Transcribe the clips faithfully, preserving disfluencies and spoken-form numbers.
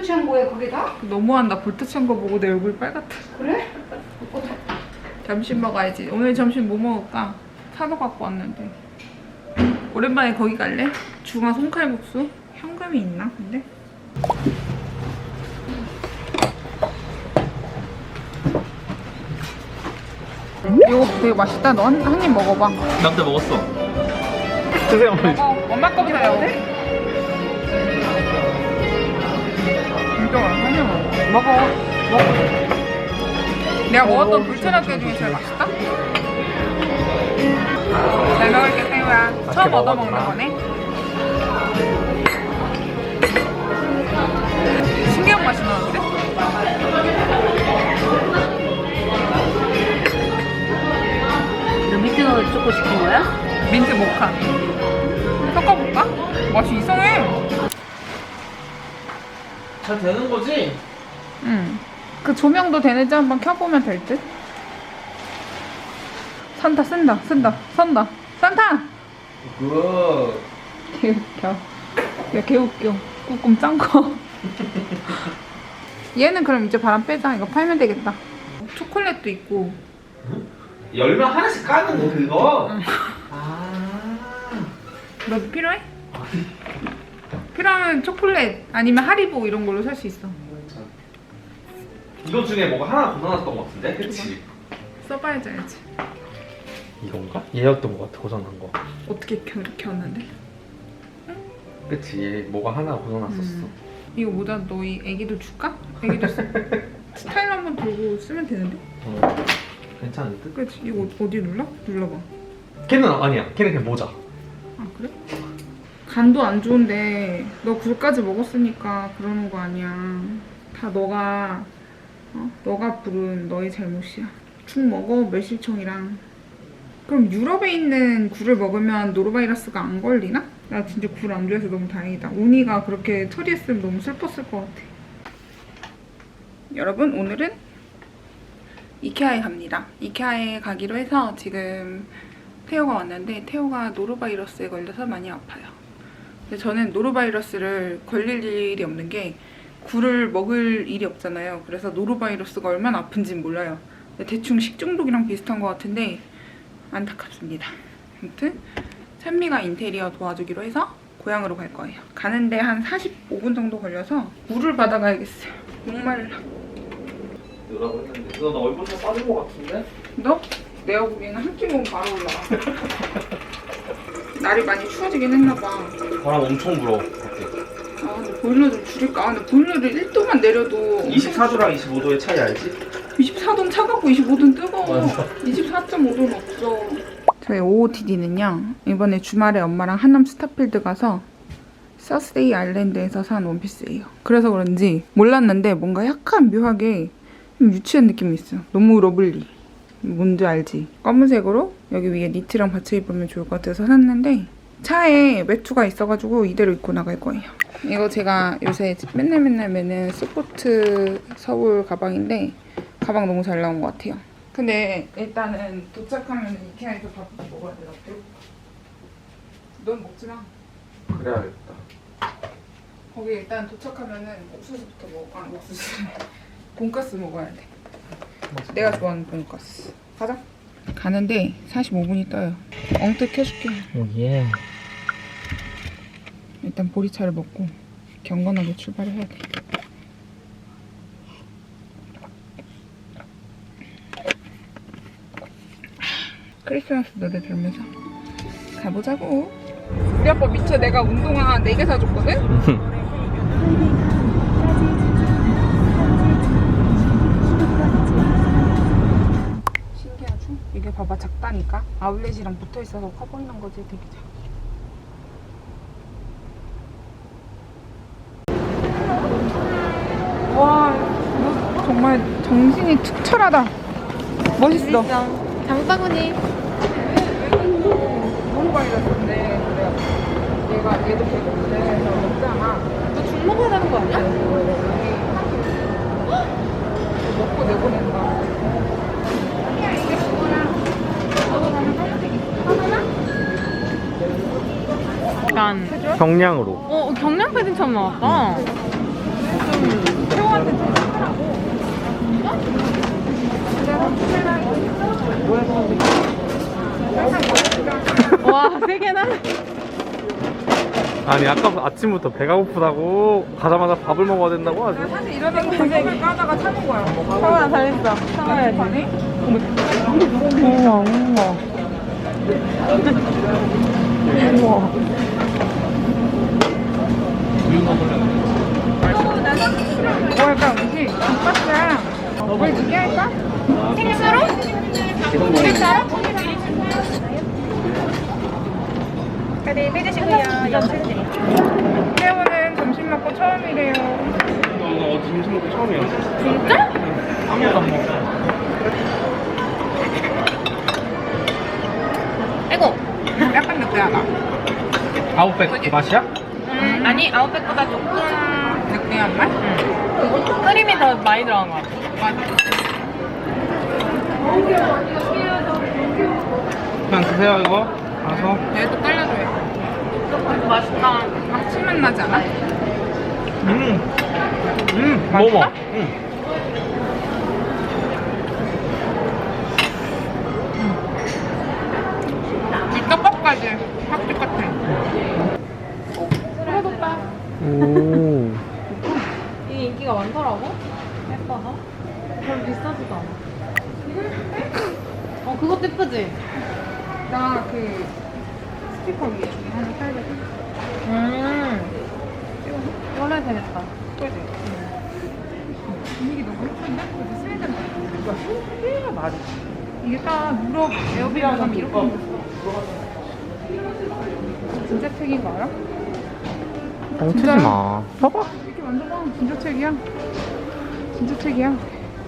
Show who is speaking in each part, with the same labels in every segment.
Speaker 1: 볼터치한 거야 거기다?
Speaker 2: 너무한다. 볼터치한 거 보고 내 얼굴 빨갛다.
Speaker 1: 그래?
Speaker 2: 점심 먹어야지. 오늘 점심 뭐 먹을까? 사서 갖고 왔는데. 오랜만에 거기 갈래? 중화 손칼국수? 현금이 있나 근데? 이거 되게 맛있다. 너 한 입 먹어봐.
Speaker 3: 나 그때 먹었어. 드세요 어머니.
Speaker 2: 먹어. 엄마 거부터 해야 돼? 진짜 한입 먹어. 먹어. 먹어. 내가 먹었던 불체나게 중에 제일 맛있다? 잘 먹을게, 태우야. 처음 얻어먹는 거네. 신기한 맛이 나는데?
Speaker 1: 너 밑에 초코 시킨 거야?
Speaker 2: 민트 모카. 섞어볼까? 맛이 이상해.
Speaker 3: 잘 되는 거지?
Speaker 2: 응. 그 조명도 되는지 한번 켜보면 될 듯? 산타 쓴다, 쓴다, 선다. 산타!
Speaker 3: 굿.
Speaker 2: 개웃겨. 야, 개웃겨. 꾹꾹 짠 거. 얘는 그럼 이제 바람 빼자. 이거 팔면 되겠다. 초콜릿도 있고.
Speaker 3: 열면 하나씩 까는 거 그거? 아.
Speaker 2: 너도 필요해? 필요하면 초콜릿 아니면 하리보 이런 걸로 살 수 있어.
Speaker 3: 이거 중에 뭐가 하나 고장났던 거 같은데? 그치?
Speaker 2: 써봐야지 알지.
Speaker 3: 이건가? 얘였던 거 같아 고장난 거.
Speaker 2: 어떻게 켜, 켰는데?
Speaker 3: 그치 얘 뭐가 하나 고장났었어.
Speaker 2: 음. 이거 모자 너희 애기도 줄까? 애기도 쓰... 스타일 한번 들고 쓰면 되는데?
Speaker 3: 어. 괜찮은 듯?
Speaker 2: 그치? 이거 어디 눌러? 눌러봐.
Speaker 3: 걔는 아니야. 걔는 그냥 모자.
Speaker 2: 아 그래? 간도 안 좋은데 너 굴까지 먹었으니까 그러는 거 아니야. 다 너가 어? 너가 부른 너의 잘못이야. 죽 먹어 멸실청이랑. 그럼 유럽에 있는 굴을 먹으면 노로바이러스가 안 걸리나? 나 진짜 굴 안 좋아해서 너무 다행이다. 운이가 그렇게 처리했으면 너무 슬펐을 것 같아. 여러분 오늘은 이케아에 갑니다. 이케아에 가기로 해서 지금 태호가 왔는데 태호가 노로바이러스에 걸려서 많이 아파요. 근데 저는 노로바이러스를 걸릴 일이 없는 게 굴을 먹을 일이 없잖아요. 그래서 노로바이러스가 얼마나 아픈지 몰라요. 대충 식중독이랑 비슷한 것 같은데 안타깝습니다. 아무튼 찬미가 인테리어 도와주기로 해서 고향으로 갈 거예요. 가는데 한 사십오 분 정도 걸려서 물을 받아가야겠어요. 목말라.
Speaker 3: 누라고 했는데 너 나 얼굴 좀 빠진 거 같은데?
Speaker 2: 너? 내가 보기에는 한 끼 먹으면 바로 올라가. 날이 많이 추워지긴 했나봐.
Speaker 3: 바람 엄청 불어 밖에.
Speaker 2: 아 근데 보일러 좀 줄일까? 아, 근데 보일러를 일 도만 내려도
Speaker 3: 이십사 도랑 이십오 도의 차이 알지?
Speaker 2: 이십사 도는 차갑고 이십오 도는 뜨거워.
Speaker 3: 맞아.
Speaker 2: 이십사 점 오 도는 없어. 저희 오오티디는요 이번에 주말에 엄마랑 하남 스타필드 가서 서스데이 아일랜드에서 산 원피스예요. 그래서 그런지 몰랐는데 뭔가 약간 묘하게 좀 유치한 느낌이 있어요. 너무 러블리. 뭔지 알지? 검은색으로 여기 위에 니트랑 받쳐 입으면 좋을 것 같아서 샀는데 차에 외투가 있어가지고 이대로 입고 나갈 거예요. 이거 제가 요새 맨날 맨날 매는 스포트 서울 가방인데 가방 너무 잘 나온 것 같아요. 근데 일단은 도착하면 이케아에서 밥부터 먹어야 돼. 나 배고파. 넌 먹지 마.
Speaker 3: 그래야겠다.
Speaker 2: 거기 일단 도착하면은 옥수수부터 먹어. 아, 옥수수. 돈가스 먹어야 돼. 내가 좋아하는 돈가스. 가자. 가는데 사십오 분이 떠요. 엉뚱 켜줄게.
Speaker 3: 오 예.
Speaker 2: 일단 보리차를 먹고 경건하게 출발을 해야 돼. 크리스마스 노래 들으면서 가보자고. 우리 아빠 미처 내가 운동화 네 개 사줬거든? 신기하죠? 이게 봐봐 작다니까? 아울렛이랑 붙어있어서 커 보이는 거지. 되게 작아. 와, 너 정말 정신이 특출하다. 멋있어.
Speaker 1: 장바구니.
Speaker 2: 너무 많이 잤었는데 내가 얘가 얘도 배고픈데 그래서 먹잖아.
Speaker 1: 너 죽 먹어야 되는 거 아니야?
Speaker 2: 먹고 내보낸다.
Speaker 1: 약간
Speaker 3: 경량으로.
Speaker 1: 어 경량 패딩 처음 나왔다.
Speaker 2: 태호한테 좀 하라고.
Speaker 1: 와, 세 개나?
Speaker 3: 아니 아까 아침부터 배가 고프다고 가자마자 밥을 먹어야 된다고 하지.
Speaker 2: 사실 이러는 거 생각을 까다가 참은 거야.
Speaker 1: 성아 잘했어. 참아야지.
Speaker 2: 우와, 우와. 우와. 뭐 할까, 음식? 돈까스야. 뭘 두개 할까? 생수로? 생수로? 네, 빼주시고요. 태호는 점심 먹고 처음이래요.
Speaker 3: 나 어제 점심 먹고 처음이야.
Speaker 2: 진짜?
Speaker 3: 아무것도 안 먹었어.
Speaker 2: 아이고. 약간 느끼하다.
Speaker 3: 아웃백 그 맛이야?
Speaker 1: 음, 아니, 아웃백보다 조금
Speaker 2: 느끼한 맛?
Speaker 1: 응. 크림이 더 많이 들어간 것 같아.
Speaker 2: 맞아.
Speaker 3: 그냥 드세요 이거. 가서.
Speaker 2: 얘도 깔려줘요.
Speaker 1: 맛있다.
Speaker 2: 막 침맛 나지 않아?
Speaker 3: 음. 음.
Speaker 2: 맛있어?
Speaker 3: 먹어. 음.
Speaker 2: 이 떡밥까지 합죽 같아. 그래도빠.
Speaker 3: 오.
Speaker 1: 이게 인기가 많더라고? 예뻐서. 별 비싸지도 않아. 어, 그것도 예쁘지?
Speaker 2: 나 그 스티커 위에 중에 하나 사야 돼.
Speaker 1: 음. 이걸로 해도 되겠다.
Speaker 2: 그지? 분위기 너무 예쁜데? 그래서 스웨덴 이거 헤이가 맞아. 이게 딱 유럽 에어비랑 가면 이렇게 생겼어. 진짜 책인 거 알아?
Speaker 3: 뻥치지
Speaker 2: 진짜요?
Speaker 3: 마. 봐봐.
Speaker 2: 이렇게 만져봐. 진짜 책이야. 진짜 책이야.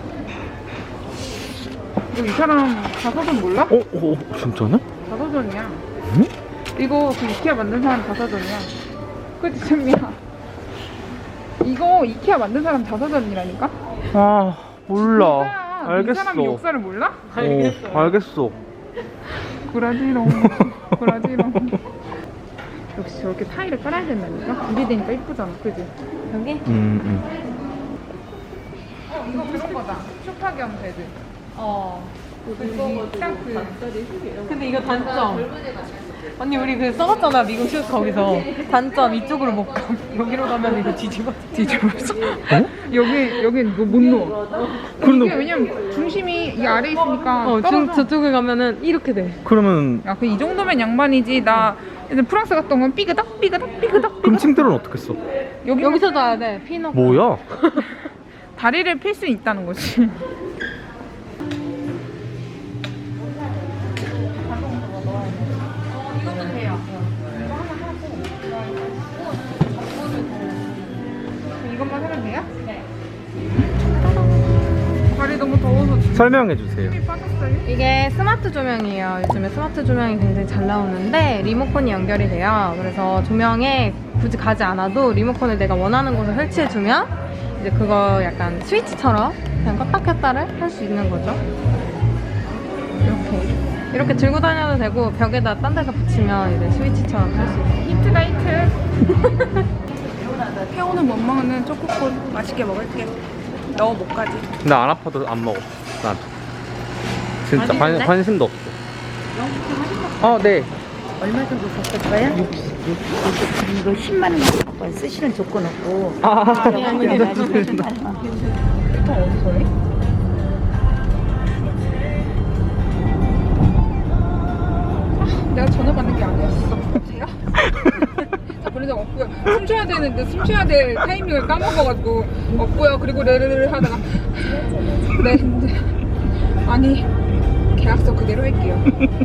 Speaker 2: 너 이 사람 자서전 몰라?
Speaker 3: 어? 어? 진짜네?
Speaker 2: 자서전이야.
Speaker 3: 응?
Speaker 2: 이거 그 이케아 만든 사람 자서전이야. 그치 참이야. 이거 이케아 만든 사람 자서전이라니까?
Speaker 3: 아 몰라.
Speaker 2: 진짜야.
Speaker 3: 알겠어.
Speaker 2: 이 사람이 역사를 몰라?
Speaker 3: 알겠어. 어, 알겠어.
Speaker 2: 구라지롱. 구라지롱. 역시 저렇게 타일을 깔아야 된다니까? 분리되니까 이쁘잖아. 그지?
Speaker 1: 여기?
Speaker 3: 음, 음.
Speaker 2: 어, 이거 그런 거다. 쇼파 겸 베드.
Speaker 1: 어.
Speaker 2: 딱그
Speaker 1: 근데 이거 단점. 언니 우리 그 써봤잖아 미국 슛 거기서. 단점 이쪽으로 못 가. 여기로 가면 이거 뒤집어.
Speaker 2: 뒤집어서. 여기 여기 너 못 누워.
Speaker 3: 그럼
Speaker 2: 이게 왜냐면 중심이 이 아래 있으니까
Speaker 1: 어,
Speaker 2: 떨어져.
Speaker 1: 중, 저쪽에 가면은 이렇게 돼.
Speaker 3: 그러면
Speaker 2: 야, 그 이 정도면 양반이지. 나 예전에 프랑스 갔던 건 삐그덕 삐그덕 삐그덕.
Speaker 3: 그럼 침대는 어떻게 써?
Speaker 2: 여기
Speaker 1: 여기서 놔야 돼. 피노.
Speaker 3: 뭐야?
Speaker 2: 다리를 필 수 있다는 거지.
Speaker 1: 이것도 돼요.
Speaker 2: 이것만 하면 돼요?
Speaker 1: 네.
Speaker 2: 발이 너무 더워서 지금
Speaker 3: 설명해 주세요.
Speaker 2: 힘이 빠졌어요.
Speaker 1: 이게 스마트 조명이에요. 요즘에 스마트 조명이 굉장히 잘 나오는데 리모컨이 연결이 돼요. 그래서 조명에 굳이 가지 않아도 리모컨을 내가 원하는 곳에 설치해주면 이제 그거 약간 스위치처럼 그냥 껐다 켰다를 할 수 있는 거죠. 이렇게 이렇게 들고 다녀도 되고 벽에다 딴 데서 붙이면 이제 스위치처럼 할 수 있어요.
Speaker 2: 히트다 히트. 태호는 못 먹는 초코콘 맛있게 먹을게. 너 못 가지.
Speaker 3: 나 안 아파도 안 먹어. 난 진짜 관,
Speaker 1: 맛있는데?
Speaker 3: 관심도 없어. 어, 네.
Speaker 4: 얼마 정도 샀을까요? 이거 십만 원 갖고 쓰시는 조건 없고
Speaker 3: 아,
Speaker 4: 그냥 가지고 십만 원.
Speaker 2: 보통 어디서 해? 아, 내가 전화 받는 게 아니었어. 제가? 자, 그런 적 없고요. 숨 쉬어야 되는데 숨 쉬어야 될 타이밍을 까먹어가지고 없고요. 그리고 르르르 하다가 네, 근데 아니 계약서 그대로 할게요.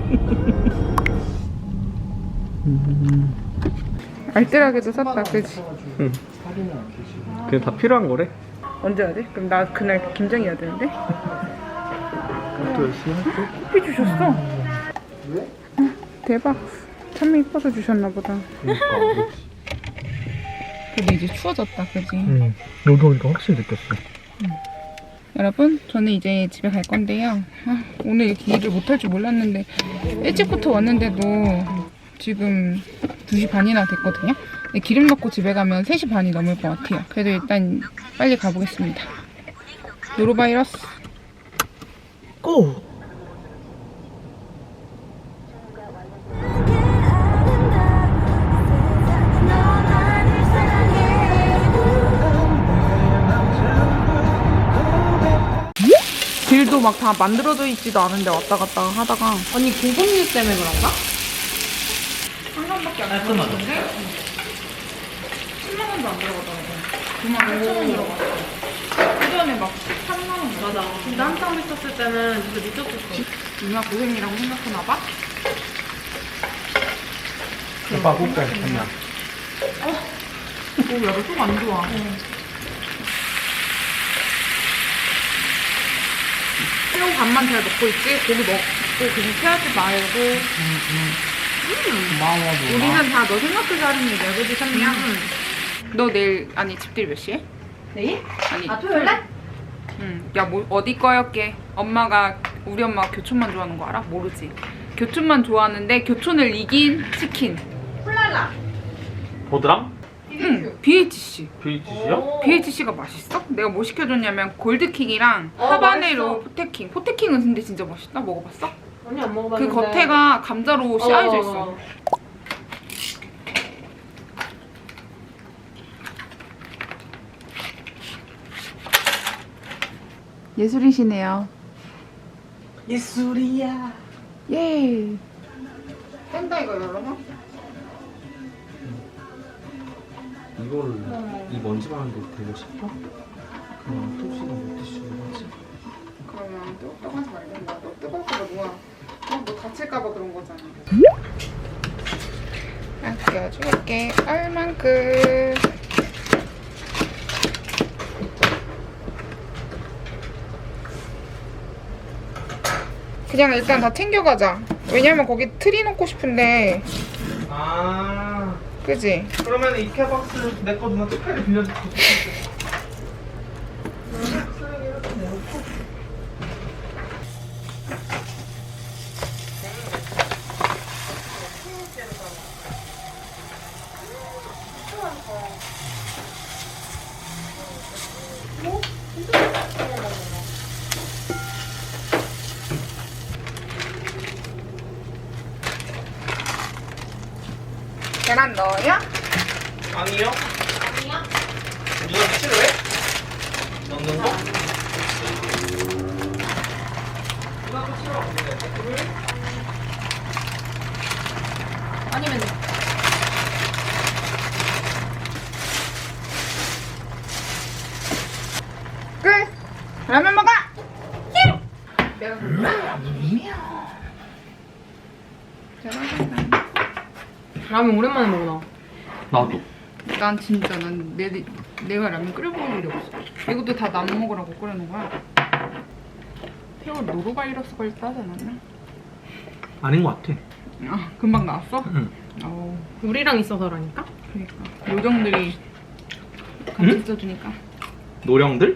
Speaker 2: 알뜰하게도 샀다, 그지?
Speaker 3: 응. 그냥 다 필요한 거래.
Speaker 2: 언제 해야 돼? 그럼 나 그날 김장이 해야 되는데?
Speaker 3: 또 열심히 할게.
Speaker 2: 커피 주셨어. 응, 대박. 참 이뻐서 주셨나 보다.
Speaker 3: 그러니까.
Speaker 2: 근데 이제 추워졌다, 그지?
Speaker 3: 응. 여기 오니까 확실히 느꼈어.
Speaker 2: 여러분, 저는 이제 집에 갈 건데요. 아, 오늘 이렇게 일을 못할 줄 몰랐는데 일찍부터 왔는데도 지금 두 시 반이나 됐거든요. 기름 넣고 집에 가면 세 시 반이 넘을 것 같아요. 그래도 일단 빨리 가보겠습니다. 노로바이러스 고! 길도 막 다 만들어져 있지도 않은데 왔다 갔다 하다가
Speaker 1: 언니 고급류 때문에 그런가?
Speaker 2: 한번밖에 안
Speaker 3: 깔끔하죠?
Speaker 2: 십만 원도 안 들어가더라고요. 구만 팔천 원 들어갔어. 예전에 막 삼만 원.
Speaker 1: 맞아. 근데 한창 비쌌을 때는 진짜 미쳤었어.
Speaker 2: 누나 고생이라고 생각하나 봐?
Speaker 3: 오빠 국갈 했나?
Speaker 2: 오, 야, 너 속 안 좋아. 새우 반만 잘 먹고 있지? 고기 먹고 그냥 피하지 말고.
Speaker 3: 고마워 누나.
Speaker 2: 우리는 다 너 생각해서 하는 얘기야, 그지, 선미야?
Speaker 1: 응.
Speaker 2: 너 내일, 아니, 집들이 몇 시에?
Speaker 1: 내일?
Speaker 2: 아니,
Speaker 1: 아, 토요일 날?
Speaker 2: 응. 야, 뭐, 어디 거였게? 엄마가, 우리 엄마가 교촌만 좋아하는 거 알아? 모르지? 교촌만 좋아하는데 교촌을 이긴 치킨.
Speaker 1: 콜랄라.
Speaker 3: 보드랑?
Speaker 2: 응, 비에이치씨.
Speaker 3: 비치시요?
Speaker 2: 비에이치씨가 맛있어? 내가 뭐 시켜줬냐면 골드킥이랑
Speaker 1: 어,
Speaker 2: 하바네로
Speaker 1: 맛있어.
Speaker 2: 포테킹. 포테킹은 근데 진짜 맛있다. 먹어봤어?
Speaker 1: 언니 안
Speaker 2: 그
Speaker 1: 먹어봤는데.
Speaker 2: 겉에가 감자로 씌어져 있어.
Speaker 1: 어.
Speaker 2: 예술이시네요.
Speaker 3: 예술이야.
Speaker 2: 예. 뗀다 이거 여러분.
Speaker 3: 이거를 이 먼지 많은 거 되고 싶어? 그냥 톱시가 못 드시고 하지.
Speaker 2: 그러면 뜨겁다고 하지 말든가. 너 뜨거울까봐 누가 어, 뭐 다칠까봐 그런 거잖아. 아껴줄게. 얼만큼. 그냥 일단 다 챙겨가자. 왜냐면 거기 트리 놓고 싶은데,
Speaker 3: 아
Speaker 2: 그지?
Speaker 3: 그러면 이케박스 내 거 누나 특별히 빌려줄게.
Speaker 2: 계란 넣어요?
Speaker 3: 아니요.
Speaker 1: 아니야?
Speaker 3: 누나 싫어해? 넣는 거? 누나도 싫어.
Speaker 1: 아니면
Speaker 2: 끝! 라면 먹어! 내가
Speaker 1: 라면 오랜만에 먹어.
Speaker 3: 나도.
Speaker 2: 난 진짜 난 내, 내가 라면 끓여본 일이 없어. 이것도 다 남 먹으라고 끓여놓은 거야. 태호 노로바이러스 걸렸다 하지 않았나?
Speaker 3: 아닌 것 같아.
Speaker 2: 아, 금방 나왔어?
Speaker 3: 응.
Speaker 2: 어,
Speaker 1: 우리랑 있어서라니까?
Speaker 2: 그러니까 요정들이 같이
Speaker 3: 응?
Speaker 2: 있어주니까.
Speaker 3: 노령들?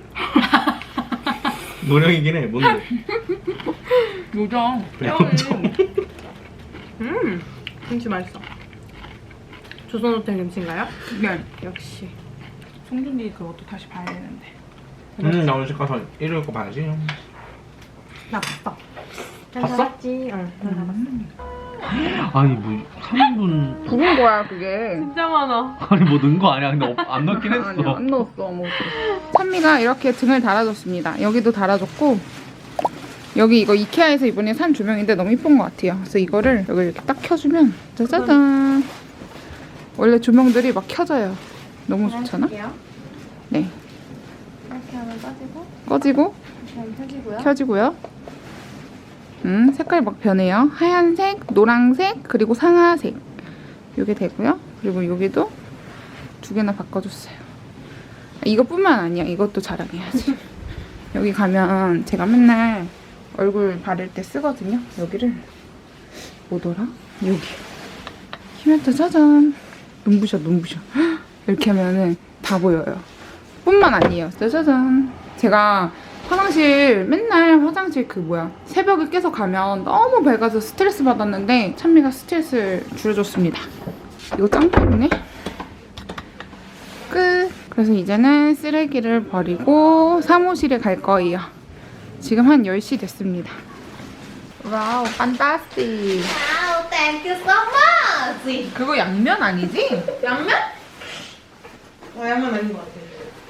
Speaker 3: 노령이긴 해. 뭔데?
Speaker 2: 요정.
Speaker 3: 요정.
Speaker 1: 음, 김치 맛있어. 조선호텔 김치인가요?
Speaker 2: 네.
Speaker 1: 역시.
Speaker 2: 송중기 그것도 다시 봐야 되는데.
Speaker 3: 음, 나 오늘 집 가서 일요일 거 봐야지.
Speaker 1: 나 봤어.
Speaker 3: 봤어?
Speaker 1: 봤지? 응, 응, 봤어.
Speaker 3: 아니 뭐 삼 분
Speaker 2: 부은 거야 그게.
Speaker 1: 진짜 많아.
Speaker 3: 아니 뭐 넣은 거 아니야. 근데 안 넣긴 했어.
Speaker 2: 아니야, 안 넣었어. 뭐. 찬미가 이렇게 등을 달아줬습니다. 여기도 달아줬고 여기 이거 이케아에서 이번에 산 조명인데 너무 이쁜 것 같아요. 그래서 이거를 여기 이렇게 딱 켜주면 짜자잔. 원래 조명들이 막 켜져요. 너무 좋잖아? 네.
Speaker 1: 이렇게 하면 빠지고,
Speaker 2: 꺼지고
Speaker 1: 이렇게 하면 펴지고요.
Speaker 2: 켜지고요. 음, 색깔 막 변해요. 하얀색, 노란색, 그리고 상아색. 요게 되고요. 그리고 여기도 두 개나 바꿔줬어요. 이것뿐만 아니야. 이것도 자랑해야지. 여기 가면 제가 맨날 얼굴 바를 때 쓰거든요. 여기를 뭐더라? 여기. 키면 또 짜잔. 눈부셔, 눈부셔. 이렇게 하면은 다 보여요. 뿐만 아니에요. 짜자잔. 제가 화장실 맨날 화장실 그 뭐야 새벽에 깨서 가면 너무 밝아서 스트레스 받았는데 찬미가 스트레스를 줄여줬습니다. 이거 짱 예쁘네. 그래서 이제는 쓰레기를 버리고 사무실에 갈 거예요. 지금 한 열 시 됐습니다. 와우, 판타스틱.
Speaker 1: 와우, thank you so much.
Speaker 2: 그거 양면 아니지?
Speaker 1: 양면? 어, 양면 아닌 것 같아.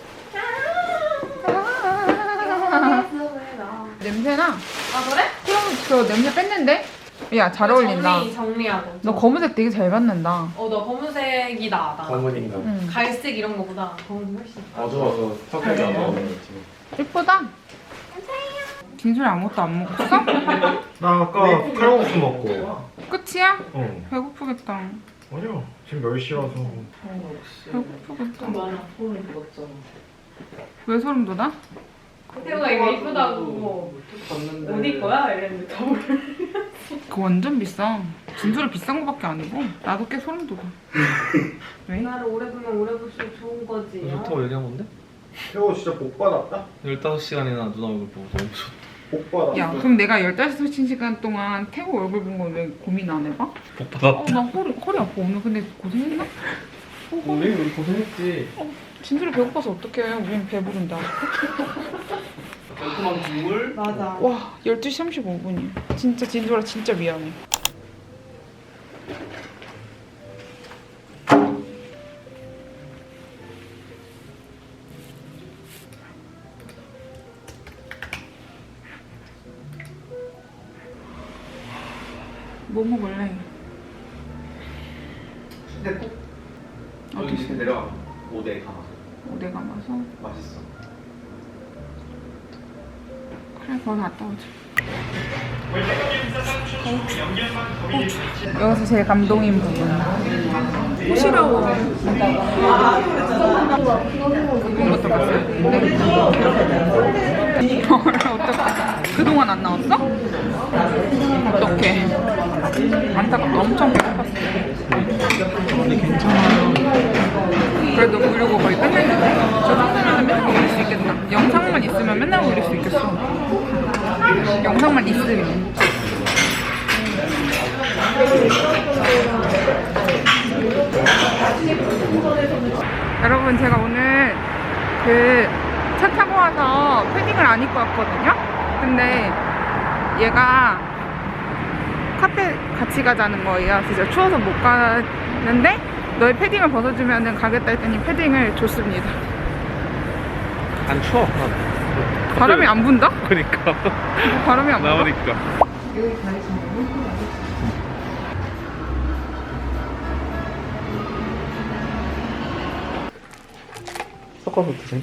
Speaker 2: 냄새나?
Speaker 1: 아, 그래?
Speaker 2: 그럼 저 냄새 뺐는데? 야, 잘 어울린다.
Speaker 1: 정리, 정리하고.
Speaker 2: 너 검은색 되게 잘 받는다.
Speaker 1: 어, 너 검은색이 나. 나.
Speaker 3: 검은인가?
Speaker 2: 응.
Speaker 1: 갈색 이런 거보다 검은색 훨씬.
Speaker 3: 맞아 맞아. 턱이 안 나오는 거지.
Speaker 2: 예쁘다. 진솔이 아무것도 안 먹었어?
Speaker 3: 나 아까 칼국수 먹고.
Speaker 2: 끝이야?
Speaker 3: 응.
Speaker 2: 배고프겠다.
Speaker 3: 아니야. 지금 몇 시라서.
Speaker 2: 배고프겠다.
Speaker 1: 많아.
Speaker 2: 왜 소름 돋아?
Speaker 1: 태우가 이거 이쁘다고 어디 거야? 이랬는데 더블.
Speaker 2: 그거 완전 비싸. 진솔이 비싼 거밖에 아니고 나도 꽤 소름 돋아. 왜?
Speaker 1: 나를 오래 보면 오래 볼수록 좋은 거지.
Speaker 3: 좋다고 얘기한 건데?
Speaker 5: 태호 진짜 복 받았다?
Speaker 3: 열다섯 시간이나 누나 얼굴 보고 너무 좋다.
Speaker 5: 복 받았어.
Speaker 2: 야, 그럼 내가 열다섯 시간 동안 태호 얼굴 본 거 왜 고민 안 해봐?
Speaker 3: 복
Speaker 2: 어,
Speaker 3: 받았다.
Speaker 2: 나 허리, 허리 아파. 오늘 근데 고생했나? 어,
Speaker 3: 우리 우리 고생했지.
Speaker 2: 진솔이 배고파서 어떡해. 우린 배부른다.
Speaker 3: 깔끔한 국물.
Speaker 1: 맞아.
Speaker 2: 와, 열두 시 삼십오 분이야. 진짜 진솔아 진짜 미안해. 뭐 먹을래?
Speaker 3: 순댓국?
Speaker 2: 어디 있어?
Speaker 3: 내려가. 오대 가마솥.
Speaker 2: 어디 가마서?
Speaker 3: 맛있어.
Speaker 2: 그래, 거기 갔다 오자. 여기서 제일 감동인 부분. 호시라고. 그것부터 봤어요? 네. 어떡해. 그동안 안 나왔어? 어떡해. 안타깝다. 엄청 배고팠어. 근데 괜찮아요. 그래도 브이로그 거의 끝냈는데 저 정도면 맨날 올릴 수 있겠다. 영상만 있으면 맨날 올릴 수 있겠어. 영상만 있으면. 여러분, 제가 오늘 그 차 타고 와서 패딩을 안 입고 왔거든요. 근데 얘가 카페 같이 가자는 거예요. 진짜 추워서 못 가는데 너의 패딩을 벗어주면 가겠다 했더니 패딩을 줬습니다.
Speaker 3: 안 추워.
Speaker 2: 바람이 안 분다?
Speaker 3: 그러니까.
Speaker 2: 바람이 안 분다?
Speaker 3: 나오니까. 섞어서 드세요.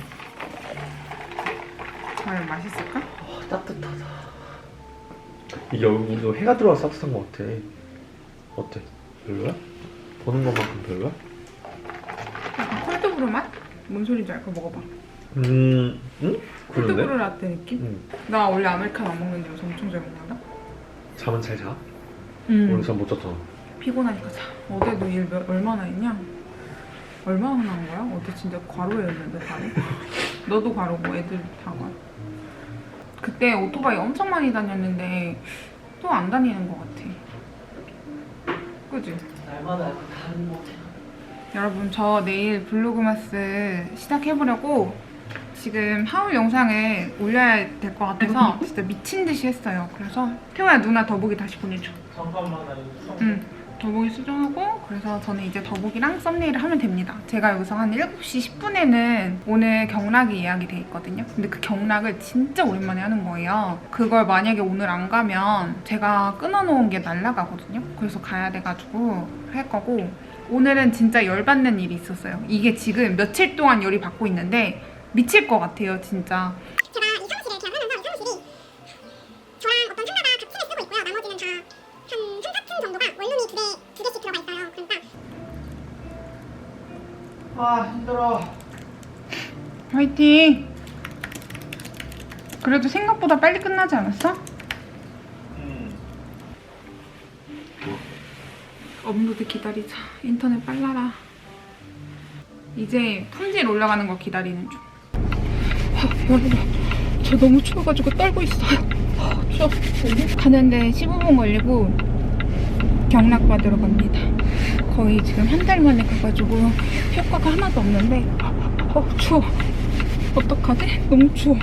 Speaker 2: 과연 맛있을까?
Speaker 3: 따뜻하다. 이게 여기도 해가 들어와서 따뜻한 것 같아. 어때? 별로야? 보는 것만큼 별로야?
Speaker 2: 약간 콜드브루 맛? 뭔 소리인지 알까? 먹어봐.
Speaker 3: 음, 응?
Speaker 2: 콜드브루
Speaker 3: 그런데?
Speaker 2: 라떼 느낌?
Speaker 3: 응.
Speaker 2: 나 원래 아메리카노 안 먹는데 요새 엄청 잘 먹는다?
Speaker 3: 잠은 잘 자?
Speaker 2: 응.
Speaker 3: 오늘 잠 못 잤잖아.
Speaker 2: 피곤하니까 자. 어제 너 일 얼마나 했냐? 얼마나 한 거야? 어제 진짜 과로였는데 과로? 너도 과로고 애들 다 과로. 그때 오토바이 엄청 많이 다녔는데 또 안 다니는 것 같아. 그지?
Speaker 3: 날마다 약간 다른 것 같아.
Speaker 2: 여러분, 저 내일 블로그마스 시작해보려고 지금 하울 영상을 올려야 될 것 같아서 진짜 미친 듯이 했어요. 그래서 태호야, 누나 더보기 다시 보내줘.
Speaker 3: 잠깐만, 나 이거
Speaker 2: 응, 더보기 수정하고 그래서 저는 이제 더보기랑 썸네일을 하면 됩니다. 제가 여기서 한 일곱 시 십 분에는 오늘 경락이 예약이 돼 있거든요. 근데 그 경락을 진짜 오랜만에 하는 거예요. 그걸 만약에 오늘 안 가면 제가 끊어놓은 게 날아가거든요. 그래서 가야 돼가지고 할 거고, 오늘은 진짜 열받는 일이 있었어요. 이게 지금 며칠 동안 열이 받고 있는데 미칠 것 같아요, 진짜.
Speaker 6: 제가 이 사무실을 계약하면서 이 사무실이 저랑 어떤 상가가 같이 쓰고 있고요. 나머지는 다 한 삼, 사 층 정도가 원룸이 두 개, 두 개씩 들어가 있어요. 그러니까
Speaker 3: 아, 힘들어.
Speaker 2: 화이팅! 그래도 생각보다 빨리 끝나지 않았어?
Speaker 3: 음.
Speaker 2: 업로드 기다리자. 인터넷 빨라라. 이제 품질 올라가는 거 기다리는 중. 아, 여러분, 저 너무 추워가지고 떨고 있어요. 아, 추워. 가는데 십오 분 걸리고 경락 받으러 갑니다. 거의 지금 한 달 만에 가가지고 효과가 하나도 없는데 어, 추워. 어떡하지? 너무 추워.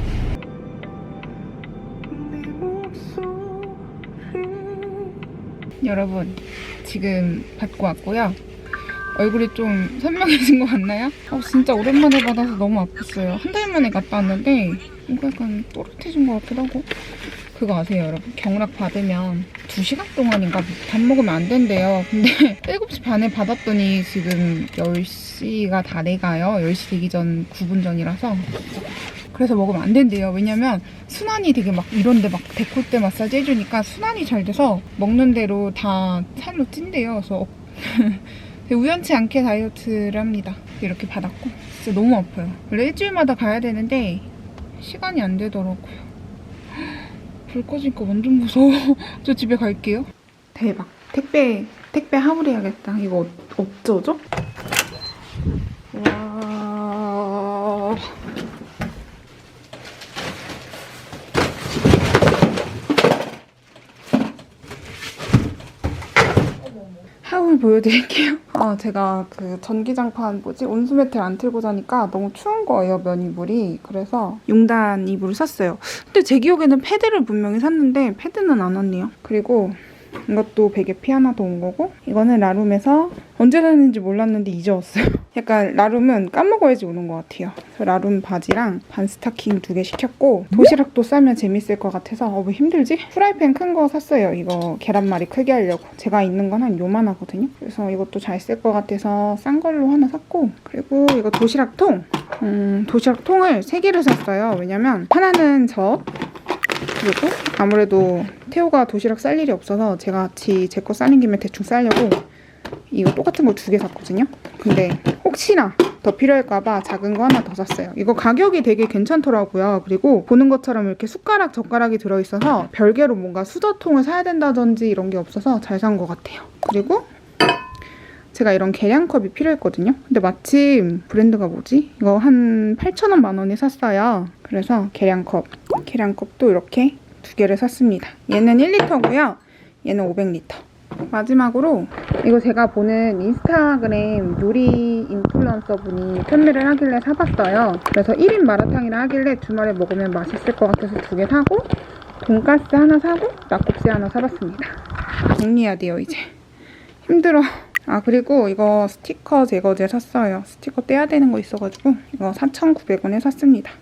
Speaker 2: 여러분, 지금 받고 왔고요. 얼굴이 좀 선명해진 것 같나요? 어, 진짜 오랜만에 받아서 너무 아팠어요. 한 달 만에 갔다 왔는데 뭔가 약간 또렷해진 것 같기도 하고. 그거 아세요, 여러분? 경락 받으면 두 시간 동안인가 밥 먹으면 안 된대요. 근데 일곱 시 반에 받았더니 지금 열 시가 다 돼가요. 열 시 되기 전 구 분 전이라서. 그래서 먹으면 안 된대요. 왜냐면 순환이 되게 막 이런데 막 데콜테 마사지 해주니까 순환이 잘 돼서 먹는 대로 다 살로 찐대요. 그래서 우연치 않게 다이어트를 합니다. 이렇게 받았고 진짜 너무 아파요. 원래 일주일마다 가야 되는데 시간이 안 되더라고요. 불 꺼지니까 완전 무서워. 저 집에 갈게요. 대박. 택배 택배 하울해야겠다. 이거 어, 어쩌죠? 와. 하울 보여드릴게요. 아, 제가 그 전기장판 뭐지? 온수매트를 안 틀고 자니까 너무 추운 거예요, 면 이불이. 그래서 용단 이불을 샀어요. 근데 제 기억에는 패드를 분명히 샀는데 패드는 안 왔네요. 그리고 이것도 베개 하나 더 온 거고, 이거는 라룸에서 언제 샀는지 몰랐는데 잊어왔어요. 약간 라룸은 까먹어야지 오는 것 같아요. 그래서 라룸 바지랑 반 스타킹 두 개 시켰고, 도시락도 싸면 재밌을 것 같아서 어, 왜 힘들지? 프라이팬 큰 거 샀어요. 이거 계란말이 크게 하려고. 제가 있는 건 한 요만하거든요. 그래서 이것도 잘 쓸 것 같아서 싼 걸로 하나 샀고, 그리고 이거 도시락통. 음, 도시락통을 세 개를 샀어요. 왜냐면 하나는 저, 그리고 아무래도 태호가 도시락 쌀 일이 없어서 제가 같이 제 거 싸는 김에 대충 싸려고 이거 똑같은 거 두 개 샀거든요. 근데 혹시나 더 필요할까봐 작은 거 하나 더 샀어요. 이거 가격이 되게 괜찮더라고요. 그리고 보는 것처럼 이렇게 숟가락, 젓가락이 들어있어서 별개로 뭔가 수저통을 사야 된다든지 이런 게 없어서 잘 산 것 같아요. 그리고 제가 이런 계량컵이 필요했거든요. 근데 마침 브랜드가 뭐지? 이거 한 팔천 원, 만 원에 샀어요. 그래서 계량컵, 계량컵도 이렇게 두 개를 샀습니다. 얘는 일 리터고요. 얘는 오백 리터. 마지막으로 이거 제가 보는 인스타그램 요리 인플루언서 분이 판매를 하길래 사봤어요. 그래서 일 인 마라탕이라 하길래 주말에 먹으면 맛있을 것 같아서 두 개 사고, 돈가스 하나 사고, 낙곱새 하나 사봤습니다. 정리해야 돼요, 이제. 힘들어. 아, 그리고 이거 스티커 제거제 샀어요. 스티커 떼야 되는 거 있어가지고 이거 사천구백 원에 샀습니다.